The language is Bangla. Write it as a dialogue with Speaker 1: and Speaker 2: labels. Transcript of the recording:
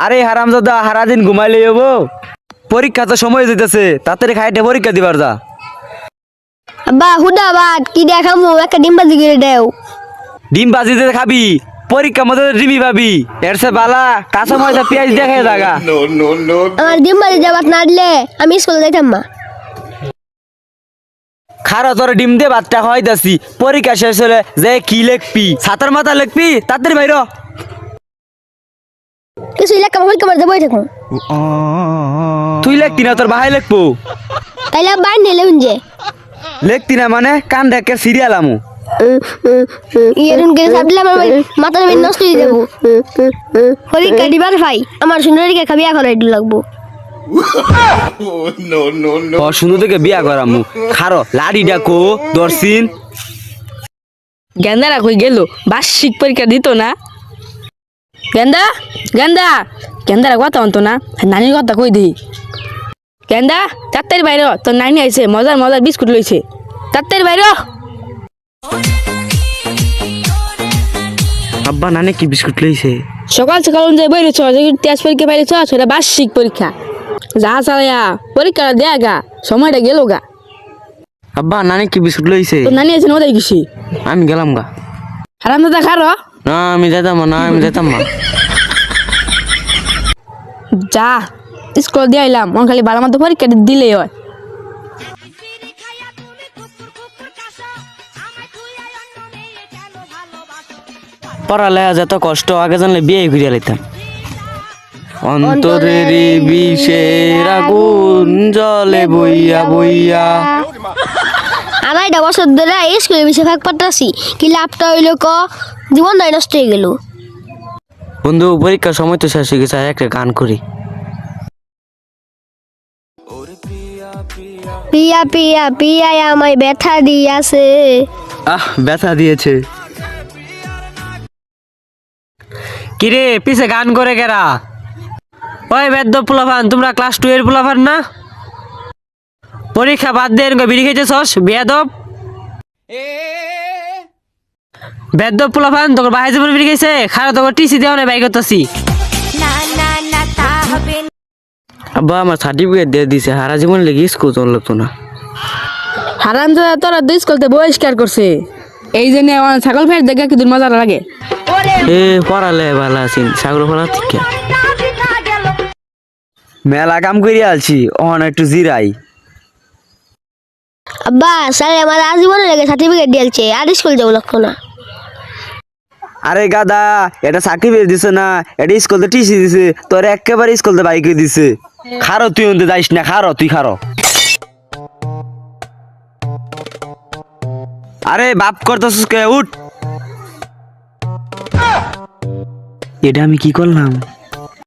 Speaker 1: আরে হারামজাদা সারাদিন ঘুমাইলে হবো? পরীক্ষা তো সময় যেতেছে, তাড়াতাড়ি খাইটে পরীক্ষা দিবার যা।
Speaker 2: আব্বা হুদা ভাত কি দেখামু একটা ডিম ভাজি করে দেও।
Speaker 1: ডিম বাজি দিয়ে খাবি, পরীক্ষা মধ্যে ডিমি পাবি। এর সে বালা কাঁচা ময়দা পেঁয়াজ দেখে জাগা।
Speaker 2: আমার ডিম ভাজি দেওয়াত না দিলে আমি স্কুলে যাইতাম না।
Speaker 1: খারো তোর ডিম দিয়ে ভাতটা খাওয়াই দাসি, পরীক্ষা শেষ হলে যে কি লিখবি, ছাতার মাথা লিখবি, তাড়াতাড়ি বাইর হ।
Speaker 2: কিছু এলাকা পরীক্ষা মারতে বই থাকুন।
Speaker 1: তুই লিখতি না, তোর ভাই লিখবো।
Speaker 2: তাইলে বাইর নিলে যে
Speaker 1: লিখতি না মানে কান ঢেকে সিরিয়াল আমু।
Speaker 2: ইয়েরুন করে সাবলে আমার মাথার বেন নষ্ট হয়ে যাবো। পরীক্ষা দিবার ভাই আমার সুন্দরীকে খাবি এখন আইডি লাগবো।
Speaker 1: সুন্দর থেকে বিয়া করামু। খারো লাড়ি ডাকো দর্শিন।
Speaker 3: গেন্দারা কই গেল? বার্ষিক পরীক্ষা দিত না? গেন্দা গেন্দা গেন্দারা কথা অন্ত না, নানির কথা কই দিই। গেন্দা তাড়াতাড়ি বাইর হ, তোর নানি আইছে, মজার মজার বিস্কুট লইছে, তাড়াতাড়ি বাইর হ।
Speaker 1: আব্বা নানে কি বিস্কুট লইছে?
Speaker 3: সকাল সকাল অনুযায়ী বাইরেছ, তেজ পরীক্ষা বাইরেছ, সেটা বার্ষিক পরীক্ষা। যা চালাইয়া পরীক্ষাটা দেয়া গা, সময়টা গেল গা।
Speaker 1: আব্বা নানে কি বিস্কুট লইছে?
Speaker 3: তোর নানি আছে ওটাই গেছি,
Speaker 1: আমি গেলাম গা।
Speaker 3: হারাম দাদা খারো।
Speaker 1: না আমি যেতাম না, আমি যেতাম না।
Speaker 3: যা স্কুল দিয়ে আইলাম, আমার খালি ভালো মতো পরীক্ষা দিলেই হয়।
Speaker 1: পড়ালেখা যত কষ্ট, আগে জানলে বিয়ে করিয়া লইতাম। অন্তরের বিষের আগুন জলে বইয়া বইয়া।
Speaker 2: আড়াইটা বছর ধরে স্কুলে বেশি ভাগ পাঠাছি, কি লাভটা হইল ক? জীবন নয় নষ্ট হয়ে গেল।
Speaker 1: বন্ধু পরীক্ষার সময় তো শেষ হয়ে গেছে, একটা গান করি।
Speaker 2: পিয়া পিয়া পিয়া আমায় ব্যথা দিয়াছে।
Speaker 1: ব্যথা দিয়েছে। কিরে পিছে গান করে কেরা? ওই বেদ্য পোলাফান, তোমরা ক্লাস 2 এর পোলাফান না? পরীক্ষা বাদ দিয়ে বিড়ি খেয়েছস বেয়াদব। বেদ্য পোলাফান তোর বাহাই জীবন বিড়ি খেয়েছে, খারাপ তোর টিসি দেওয়া নাই, বাই করতেছি। আব্বা আমার সার্টিফিকেট দিয়ে দিছে, হারা জীবন লেগে স্কুল চলতো না।
Speaker 3: হারাম দাদা তোরা দুই স্কুলতে বহিষ্কার করছে, এই জন্য আমার ছাগল ফের দেখে কি মজা লাগে।
Speaker 1: পড়ালে ভালো আছি, সাগর ফলা ঠিক মেলা কাম করিয়া আলছি, অহন একটু জিরাই।
Speaker 2: আব্বা স্যার আমার আজীবনে লেগে সার্টিফিকেট দিয়েছে, আর স্কুল যাবো লাগতো না।
Speaker 1: আরে গাদা, এটা সার্টিফিকেট দিছে না, এটা স্কুলতে টিসি দিছে, তোর একেবারে স্কুলতে বাইকে দিছে। খারো তুই অন্তে যাইস না, খারো তুই খারো। আরে বাপ করতেছিস কে? উঠ। এটা আমি কি করলাম?